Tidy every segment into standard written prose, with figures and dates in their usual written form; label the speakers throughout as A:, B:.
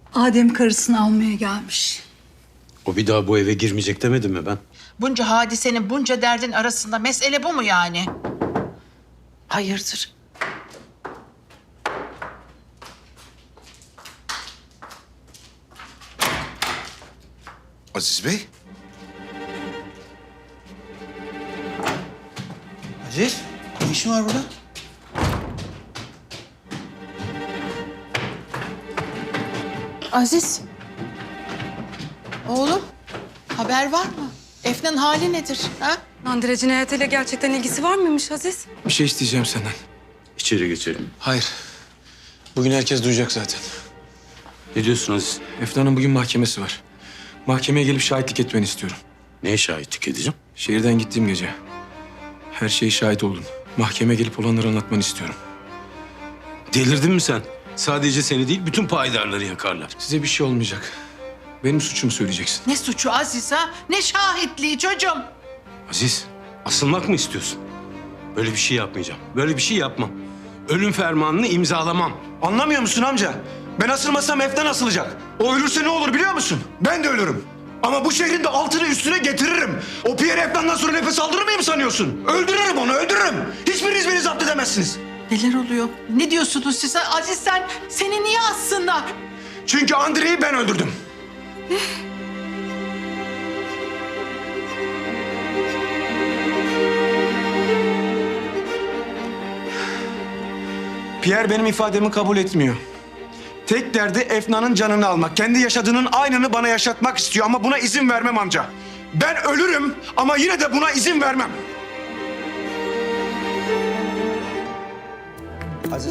A: Adem karısını almaya gelmiş.
B: O bir daha bu eve girmeyecek demedim mi ben?
C: Bunca hadisenin, bunca derdin arasında mesele bu mu yani? Hayırdır?
D: Aziz Bey.
E: Aziz, ne işin var burada?
C: Aziz. Oğlum, haber var mı? Efnan'ın hali nedir? Ha?
F: Nandire cinayetiyle gerçekten ilgisi var mıymış Aziz?
E: Bir şey isteyeceğim senden.
B: İçeri geçelim.
E: Hayır. Bugün herkes duyacak zaten.
B: Ne diyorsun Aziz?
E: Efnan'ın bugün mahkemesi var. Mahkemeye gelip şahitlik etmeni istiyorum.
B: Neye şahitlik edeceğim?
E: Şehirden gittiğim gece. Her şeye şahit oldun. Mahkemeye gelip olanları anlatmanı istiyorum.
B: Delirdin mi sen? Sadece seni değil, bütün payidarları yakarlar.
E: Size bir şey olmayacak. Benim suçumu söyleyeceksin.
C: Ne suçu Aziz ha? Ne şahitliği çocuğum?
B: Aziz, asılmak mı istiyorsun? Böyle bir şey yapmayacağım. Böyle bir şey yapmam. Ölüm fermanını imzalamam.
G: Anlamıyor musun amca? Ben asılmasam Efnan asılacak. O ölürse ne olur biliyor musun? Ben de ölürüm. Ama bu şehrin de altını üstüne getiririm. O Pierre Efnan'dan sonra nefes aldırır mıyım sanıyorsun? Öldürürüm onu, öldürürüm. Hiçbiriniz beni zapt edemezsiniz.
C: Neler oluyor? Ne diyorsunuz siz? Aziz seni niye assınlar?
G: Çünkü Andrei'yi ben öldürdüm. Pierre benim ifademi kabul etmiyor. Tek derdi Efnan'ın canını almak. Kendi yaşadığının aynını bana yaşatmak istiyor ama buna izin vermem amca. Ben ölürüm ama yine de buna izin vermem.
E: Aziz.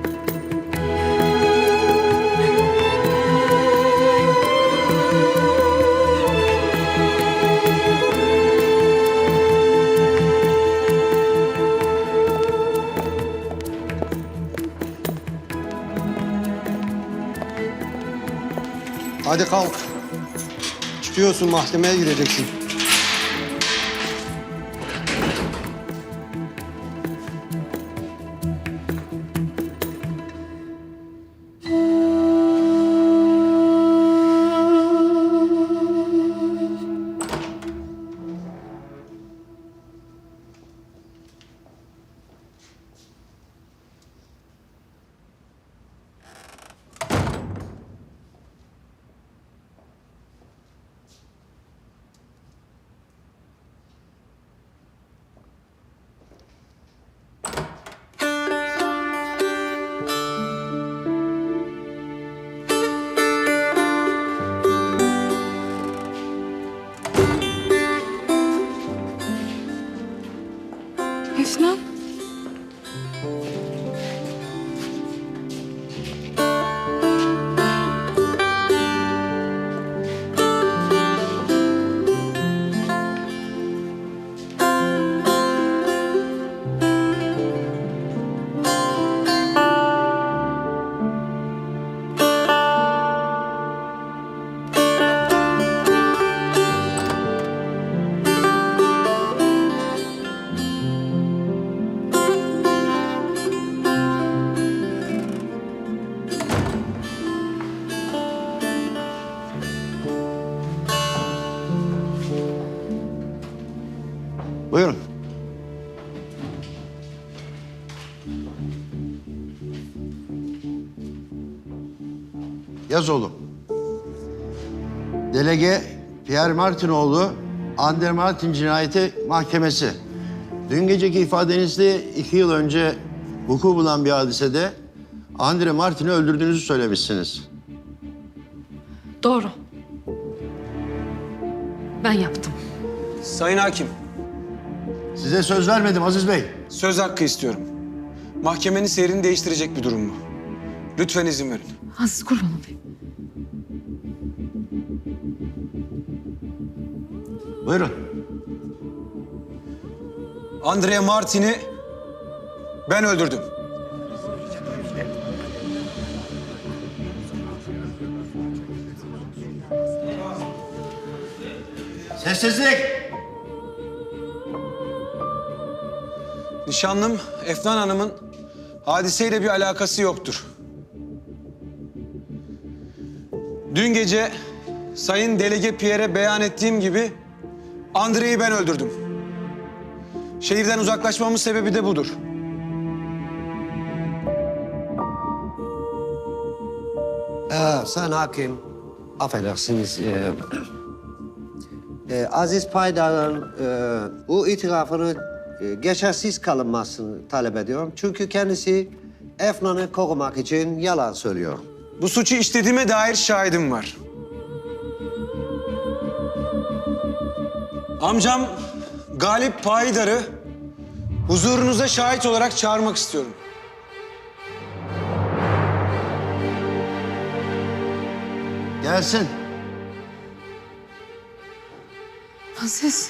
H: Hadi kalk. Çıkıyorsun, mahkemeye gireceksin.
F: Efnan.
H: Buyurun. Yaz oğlum. Delege Pierre Martinoğlu, Ander Martin cinayeti mahkemesi. Dün geceki ifadenizde 2 yıl önce vuku bulan bir hadisede Andre Martin'i öldürdüğünüzü söylemişsiniz.
F: Doğru. Ben yaptım.
E: Sayın Hakim,
H: Size söz vermedim Aziz Bey.
E: söz hakkı istiyorum. Mahkemenin seyrini değiştirecek bir durum bu. Lütfen izin verin.
F: Aziz kurban olayım.
H: Buyurun.
E: Andrea Martin'i ben öldürdüm.
H: Sessizlik.
E: Nişanlım Efnan Hanım'ın hadiseyle bir alakası yoktur. Dün gece Sayın Delege Pierre'e beyan ettiğim gibi Andrei'yi ben öldürdüm. Şehirden uzaklaşmamın sebebi de budur.
D: Sayın Hakim, affedersiniz. Aziz Paydar'ın bu itirafını geçersiz kalınmasını talep ediyorum. Çünkü kendisi Efnan'ı korumak için yalan söylüyor.
E: Bu suçu işlediğime dair şahidim var. Amcam Galip Payidar'ı huzurunuza şahit olarak çağırmak istiyorum.
H: Gelsin.
F: Aziz.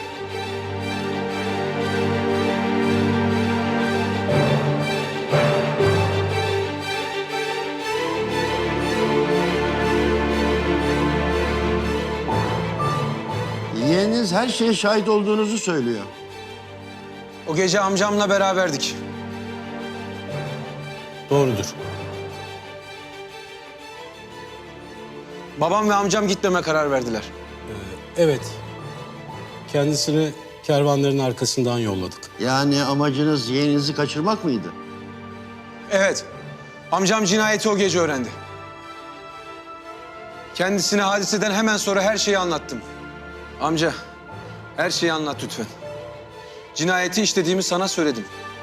H: Yeğeniniz her şeye şahit olduğunuzu söylüyor.
E: O gece amcamla beraberdik.
B: Doğrudur.
E: Babam ve amcam gitmeme karar verdiler.
B: Evet. Kendisini kervanların arkasından yolladık.
H: Yani amacınız yeğeninizi kaçırmak mıydı?
E: Evet, amcam cinayeti o gece öğrendi. Kendisine hadiseden hemen sonra her şeyi anlattım. Amca, her şeyi anlat lütfen. Cinayeti işlediğimi sana söyledim.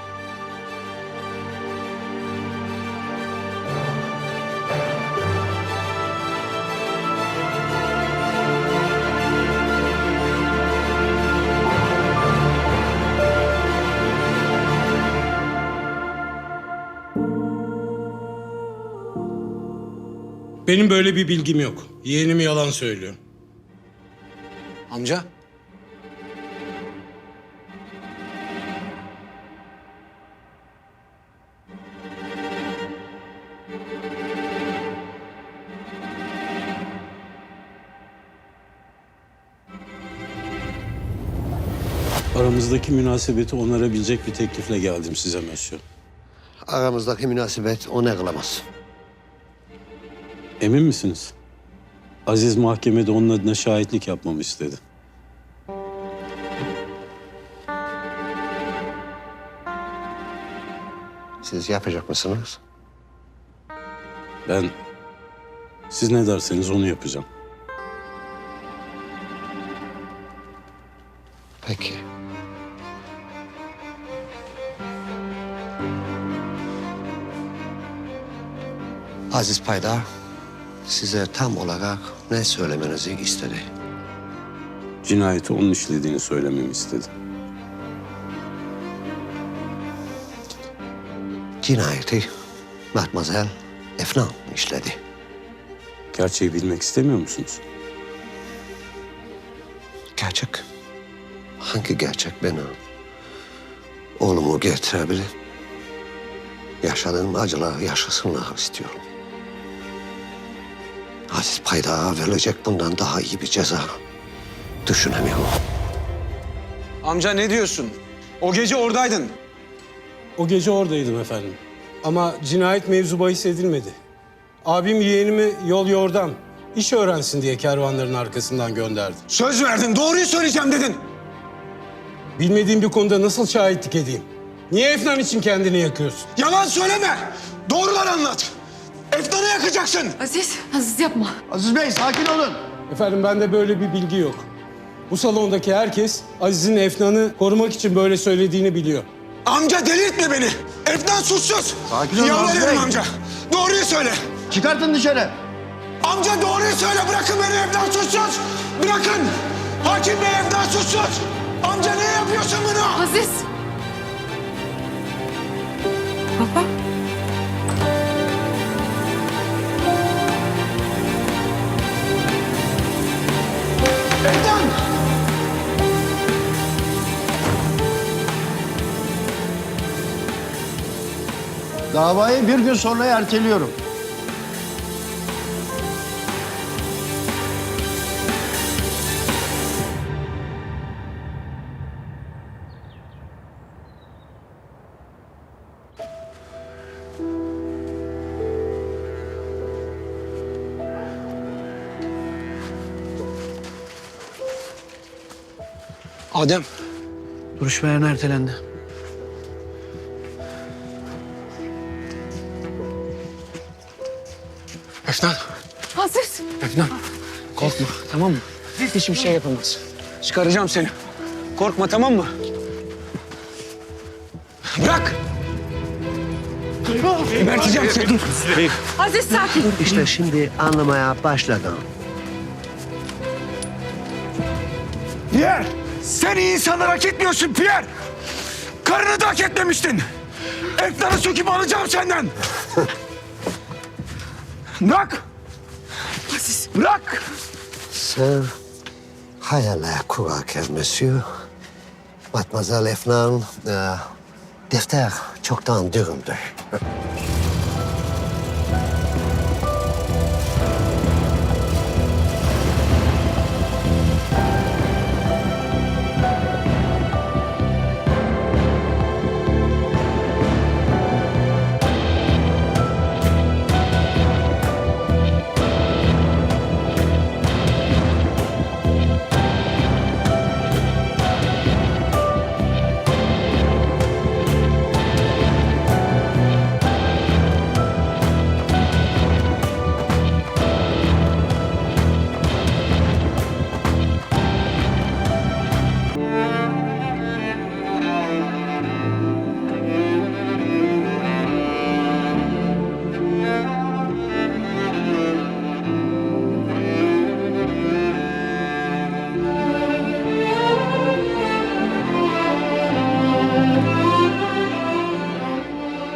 B: Benim böyle bir bilgim yok. Yeğenim yalan söylüyor.
E: Amca,
B: Aramızdaki münasebeti onarabilecek bir teklifle geldim size Mösyö.
D: Aramızdaki münasebet onu kılamaz.
B: Emin misiniz? Aziz mahkemede onun adına şahitlik yapmamı istedi.
D: Siz yapacak mısınız?
B: Ben siz ne derseniz onu yapacağım.
D: Peki. Aziz Paydar size tam olarak ne söylemenizi istedi?
B: Cinayeti onun işlediğini söylememi istedi.
D: Cinayeti Mademoiselle Efnan işledi.
B: Gerçeği bilmek istemiyor musunuz?
D: Gerçek. Hangi gerçek beni oğlumu getirebilir? Yaşadığım acıları yaşasınlar istiyorum. Aziz Paydar'a verilecek bundan daha iyi bir ceza düşünemiyorum.
E: amca ne diyorsun? O gece oradaydın.
B: O gece oradaydım efendim. Ama cinayet mevzu bahis edilmedi. Abim yeğenimi yol yordam, iş öğrensin diye kervanların arkasından gönderdi.
E: Söz verdin, doğruyu söyleyeceğim dedin.
B: Bilmediğim bir konuda nasıl şahitlik edeyim? Niye Efnan için kendini yakıyorsun?
E: Yalan söyleme. Doğruları anlat. Efnan'ı yakacaksın.
F: Aziz yapma.
H: Aziz Bey sakin olun.
B: Efendim bende böyle bir bilgi yok. Bu salondaki herkes Aziz'in Efnan'ı korumak için böyle söylediğini biliyor.
E: Amca delirtme beni. Efnan suçsuz.
H: Sakin ol
E: Yalvarıyorum
H: Aziz Bey.
E: amca. Doğruyu söyle.
H: Çıkartın dışarı.
E: Amca doğruyu söyle. Bırakın beni, Efnan suçsuz. Bırakın. Hakim Bey, Efnan suçsuz. Amca ne yapıyorsun bunu?
F: Aziz. Baba.
E: Efnan.
H: Davayı bir gün sonra erteliyorum.
E: Adem, duruşma yarına ertelendi. Efnan,
F: Aziz.
E: Efnan. Korkma, tamam mı? Hiçbir şey yapamaz. Çıkaracağım seni. Korkma, tamam mı? Bırak! Geberteceğim seni.
F: Aziz sakin.
D: İşte şimdi anlamaya başladım.
G: Pierre! Sen iyi insanları hak etmiyorsun Pierre! Karını da hak etmemiştin! Efnan'ı söküp alacağım senden! Bırak! Bırak!
D: Sen hayaller kurarken monsieur, Mademoiselle Efnan, defter çoktan dürümdür.